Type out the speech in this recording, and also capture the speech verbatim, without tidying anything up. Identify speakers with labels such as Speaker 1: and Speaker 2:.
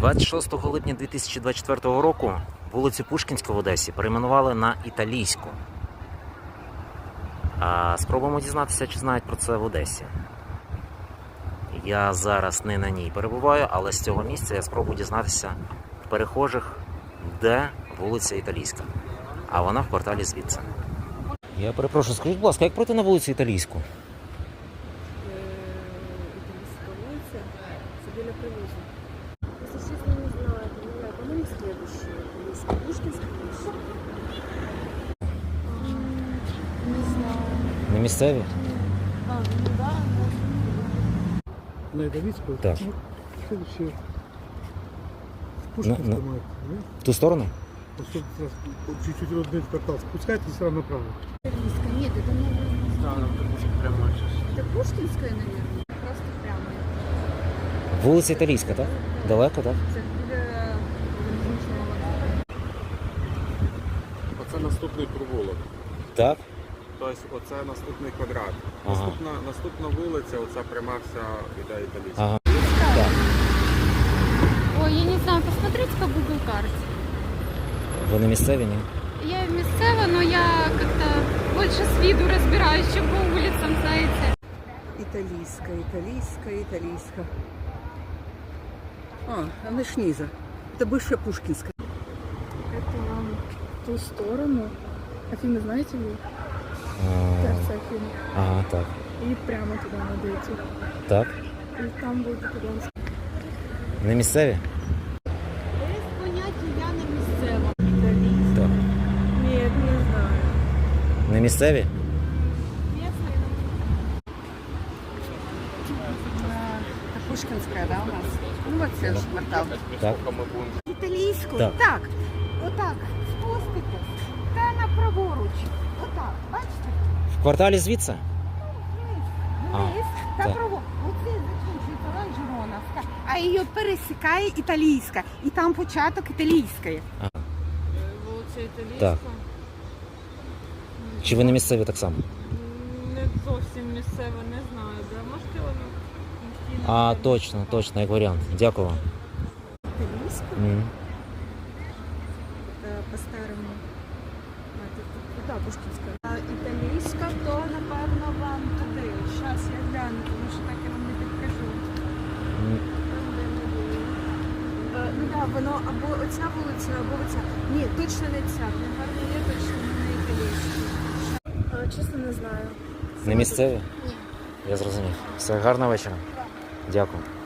Speaker 1: двадцять шостого липня дві тисячі двадцять четвертого року вулицю Пушкінську в Одесі перейменували на Італійську. А спробуємо дізнатися, чи знають про це в Одесі. Я зараз не на ній перебуваю, але з цього місця я спробую дізнатися в перехожих, де вулиця Італійська. А вона в кварталі звідси. Я перепрошую, скажіть, будь ласка, як пройти на вулицю Італійську?
Speaker 2: Итальянская улица, Сабеля Привоза. Если честно, не знаю, не знаю, по-моему, следующая. Есть Пушкинская улица. Не знаю.
Speaker 1: Не місцеві?
Speaker 2: А, ну да,
Speaker 3: На Италийскую?
Speaker 1: Так.
Speaker 3: Ну, следующее. Пушкинская,
Speaker 1: Ну, ну.
Speaker 3: мать, да?
Speaker 1: В ту сторону?
Speaker 3: Вот тут раз, вот чуть-чуть родной квартал спускайтесь сразу направо.
Speaker 2: Итальянская. Нет, это не
Speaker 3: Да, прямо сейчас.
Speaker 2: Это Пушкинская, наверное. Просто прямо.
Speaker 1: Вулиця Італійська, так? Далеко, так?
Speaker 2: Це біля залізничного вокзалу.
Speaker 4: Оце наступний провулок.
Speaker 1: Так.
Speaker 4: Тобто оце наступний квадрат.
Speaker 1: Ага.
Speaker 4: Наступна, наступна вулиця, оця пряма вся іде Італійська.
Speaker 1: Ага.
Speaker 2: Да.
Speaker 1: Так.
Speaker 5: Ой, я не знаю, посмотрите по Google карте.
Speaker 1: Ви не місцеві, ні?
Speaker 5: Я местева, но я как-то больше с виду разбираюсь, чем по улицам, знаете.
Speaker 6: Италийская, италийская, италийская. А, она ж низа. Это бывшая Пушкинская.
Speaker 2: Это вам в ту сторону. Афины знаете ли?
Speaker 1: А,
Speaker 2: Сердце Афины.
Speaker 1: Ага, так.
Speaker 2: И прямо туда надо идти.
Speaker 1: Так.
Speaker 2: И там будет итальянская.
Speaker 1: Не місцеві?
Speaker 2: Без поняття я не місцева.
Speaker 1: Так.
Speaker 2: Ні, не знаю.
Speaker 1: Не місцеві?
Speaker 6: Это Пушкинская, да, у нас? Ну, вот следующий квартал.
Speaker 1: Так.
Speaker 6: Италийскую?
Speaker 1: Так.
Speaker 6: Так. Отак. Спуститесь. Та на праворуч. Отак. Бачите?
Speaker 1: В кварталі звідси? А,
Speaker 6: Вниз. Та
Speaker 1: так.
Speaker 6: праворуч. Оце закінчується Оранжероновська. А її пересікає Італійська. І там початок Італійської.
Speaker 5: Вулиця Італійська.
Speaker 1: Так. Чи ви не місцеві так само?
Speaker 5: Не зовсім місцева, не знаю. Де. Можете воно?
Speaker 1: А, точно, точно, як варіант. Дякую вам.
Speaker 6: Італійську?
Speaker 1: М.
Speaker 2: Е, По-старому. А, тут, тут, да, Пушкінська. А італійська, то, напевно, вам туди. Зараз я гляну, тому що так я вам не підкажу.
Speaker 1: М.
Speaker 2: Е, Ну так, да, воно або оця вулиця, або оця. Ні, точно не ця. Гарно є, точно не італійська. Чесно, не знаю.
Speaker 1: Не місцеві?
Speaker 2: Ні.
Speaker 1: Я зрозумів. Все, гарного вечора. Дякую.